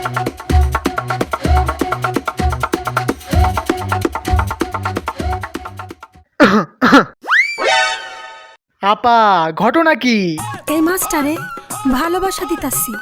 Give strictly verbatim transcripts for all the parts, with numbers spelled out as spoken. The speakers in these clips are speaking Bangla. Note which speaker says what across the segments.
Speaker 1: আপা ঘটনা কি?
Speaker 2: এই মাছটারে ভালোবাসা দিতাছি।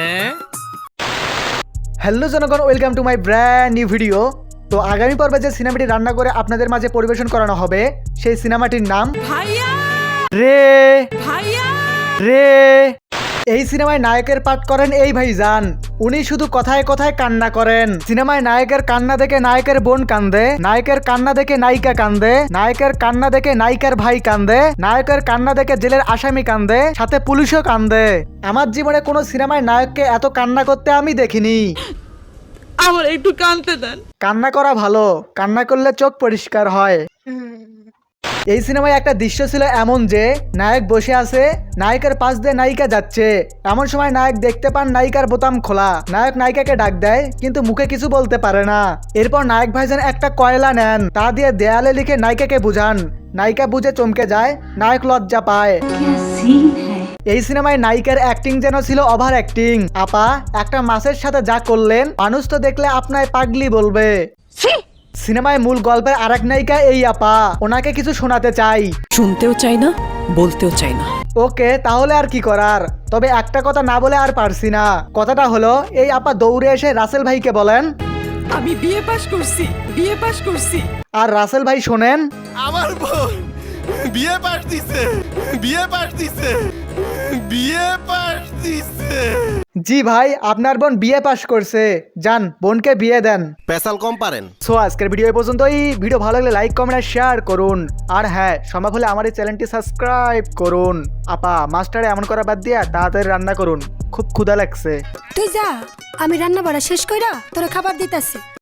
Speaker 1: হ্যালো জনগণ, welcome to my brand new video. তো আগামী পর্বে যে সিনেমাটি রান্না করে আপনাদের মাঝে পরিবেশন করানো হবে সেই সিনেমাটির নাম
Speaker 2: ভাইয়া
Speaker 1: রে
Speaker 2: ভাইয়া
Speaker 1: রে। এই সিনেমায় নায়কের পাঠ করেন এই ভাইজান। উনি শুধু কথায় কথায় কান্না করেন। সিনেমায় নায়কের কান্না দেখে নায়কের বোন কান্দে, নায়কের কান্না দেখে নায়িকা কান্দে, নায়কের কান্না দেখে নায়িকার ভাই কান্দে, নায়কের কান্না দেখে জেলের আসামি কান্দে, সাথে পুলিশও কান্দে। আমার জীবনে কোনো সিনেমায় নায়ককে এত কান্না করতে আমি দেখিনি।
Speaker 2: আমার একটু কাঁদতে দেন।
Speaker 1: কান্না করা ভালো, কান্না করলে চোখ পরিষ্কার হয়। এই সিনেমায় একটা দৃশ্য ছিল এমন যে নায়ক বসে আছে, নায়িকার পাশ দিয়ে নায়িকা যাচ্ছে। এমন সময় নায়ক দেখতে পান নায়িকার বোতাম খোলা। নায়ক নায়িকাকে ডাক দেয় কিন্তু মুখে কিছু বলতে পারে না। এরপর নায়ক ভাইজান একটা কয়লা নেন, তা দিয়ে দেয়ালে লিখে নায়িকাকে বুঝান। নায়িকা বুঝে চমকে যায়, নায়ক লজ্জা পায়। এই সিনেমায় নায়িকার অ্যাক্টিং যেন ছিল ওভার অ্যাক্টিং। আপা একটা মাছের সাথে যা করলেন, মানুষ তো দেখলে আপনায় পাগলি বলবে। সিনেমায় মূল গল্পের আরেক নায়িকা এই আপা, ওনাকে কিছু শোনাতে চাই।
Speaker 3: শুনতেও চাই না, বলতেও চাই না।
Speaker 1: ওকে, তাহলে আর কি করার। তবে একটা কথা না বলে আর পারছি না। কথাটা হলো, এই আপা দৌড়ে এসে রাসেল ভাইকে বলেন,
Speaker 3: আমি বিয়ে পাশ করছি, বিয়ে পাশ করছি।
Speaker 1: আর রাসেল ভাই শোনেন,
Speaker 4: আমার বোন বিয়ে পাশ দিছে, বিয়ে পাশ দিছে, বিয়ে পাশ দিছে।
Speaker 1: জি ভাই, আপনার বোন বিয়ে পাশ করছে, যান বোনকে বিয়ে দেন।
Speaker 4: পেশাল কম পারেন।
Speaker 1: সো আজকের ভিডিও এই পর্যন্তই। ভিডিও ভালো লাগলে লাইক কমেন্ট আর শেয়ার করুন। আর হ্যাঁ, সম্ভব হলে আমার এই চ্যানেলটি সাবস্ক্রাইব করুন। আপা মাস্টারে এমন করা বাদ দিয়া তাড়াতাড়ি রান্না করুন, খুব ক্ষুধা লাগছে।
Speaker 2: তুই যা, আমি রান্না বাড়া শেষ কইরা তোরে খাবার দিতাছি।